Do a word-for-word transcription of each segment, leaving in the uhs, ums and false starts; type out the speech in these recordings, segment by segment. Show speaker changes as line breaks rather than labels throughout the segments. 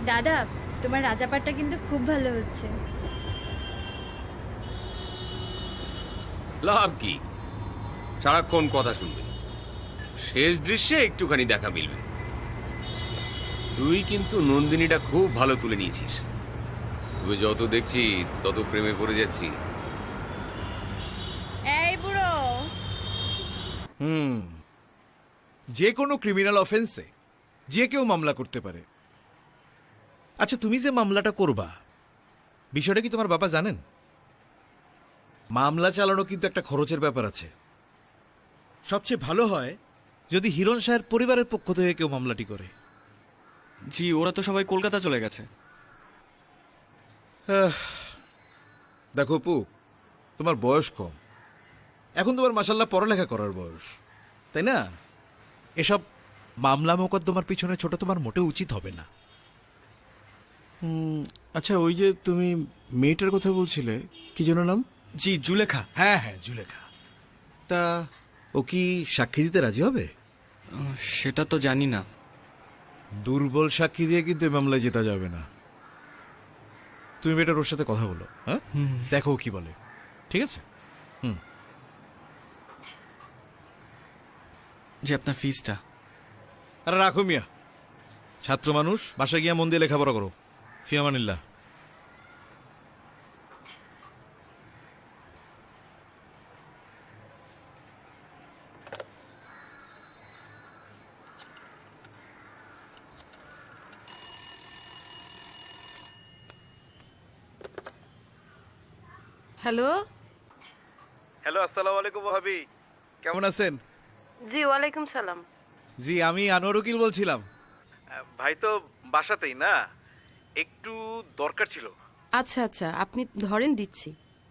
দাদা, তোমার রাজাপাটটা কিন্তু খুব ভালো হচ্ছে।
লাভ কি, সারাক্ষণ কথা শুনবে, শেষ দৃশ্যে একটুখানি দেখা মিলবে। তুই কিন্তু নন্দিনীটা খুব ভালো তুলে নিয়েছিস। তুই যত দেখছি তত প্রেমে পড়ে যাচ্ছি।
এই বুড়ো,
হুম যে কোনো ক্রিমিনাল অফেন্সে যে কেউ মামলা করতে পারে। আচ্ছা, তুমি যে মামলাটা করবা, বিষয়টা কি তোমার বাবা জানেন? মামলা চালানো কিন্তু একটা খরচের ব্যাপার আছে। সবচেয়ে ভালো হয় যদি হিরণ শাহের পরিবারের পক্ষ থেকে কেউ মামলাটি করে।
জি, ওরা তো সবাই কলকাতা চলে গেছে।
দেখো অপু, তোমার বয়স কম, এখন তোমার মাসাল্লাহ পড়ালেখা করার বয়স, তাই না? এসব মামলা মোকদ্দমার পিছনে ছোট তোমার মোটেও উচিত হবে না।
আচ্ছা, ওই যে তুমি মেয়েটার কথা বলছিলে, কি যেন নাম?
জি, জুলেখা।
হ্যাঁ হ্যাঁ, জুলেখা। তা ও কি সাক্ষী দিতে রাজি হবে?
আহ, সেটা তো জানি না।
দুর্বল সাক্ষী দিয়ে কিন্তু এই মামলায় জেতা যাবে না। তুমি বেটার ওর সাথে কথা বলো, হ্যাঁ, দেখো ও কি বলে, ঠিক আছে? হুম।
যে আপনার ফিসটা।
আরে রাখো মিয়া, ছাত্র মানুষ, বাসায় গিয়া মন দিয়ে লেখাপড়া করো। ফিয়ামানিল্লাহ।
হ্যালো।
হ্যালো, আসসালামু আলাইকুম ভাবি, কেমন আছেন?
জি, ওয়ালাইকুম সালাম।
জি, আমি আনোয়ার উকিল বলছিলাম। ভাই তো বাসাতেই না, একটু দরকার ছিল।
আচ্ছা আচ্ছা, আপনি ধরেন, দিচ্ছি।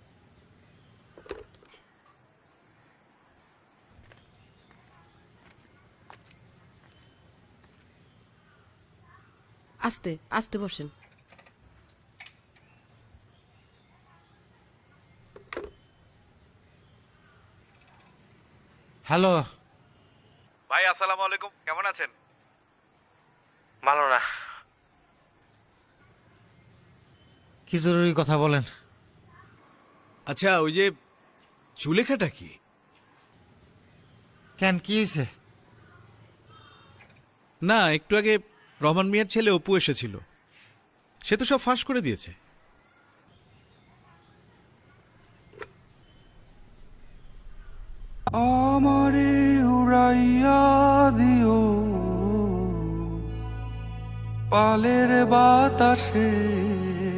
আস্তে আস্তে বসেন।
হ্যালো।
ভাই আসসালামু আলাইকুম, কেমন আছেন?
ভালো না। কি জরুরি কথা বলেন।
আচ্ছা, ওই যে জুলেখাটা কি?
কেন, কি হয়েছে?
না, একটু আগে রহমান মিয়ার ছেলে অপু এসেছিল, সে তো সব ফাঁস করে দিয়েছে।
আমারে উড়াইয়া দিও পালের বাতাসে,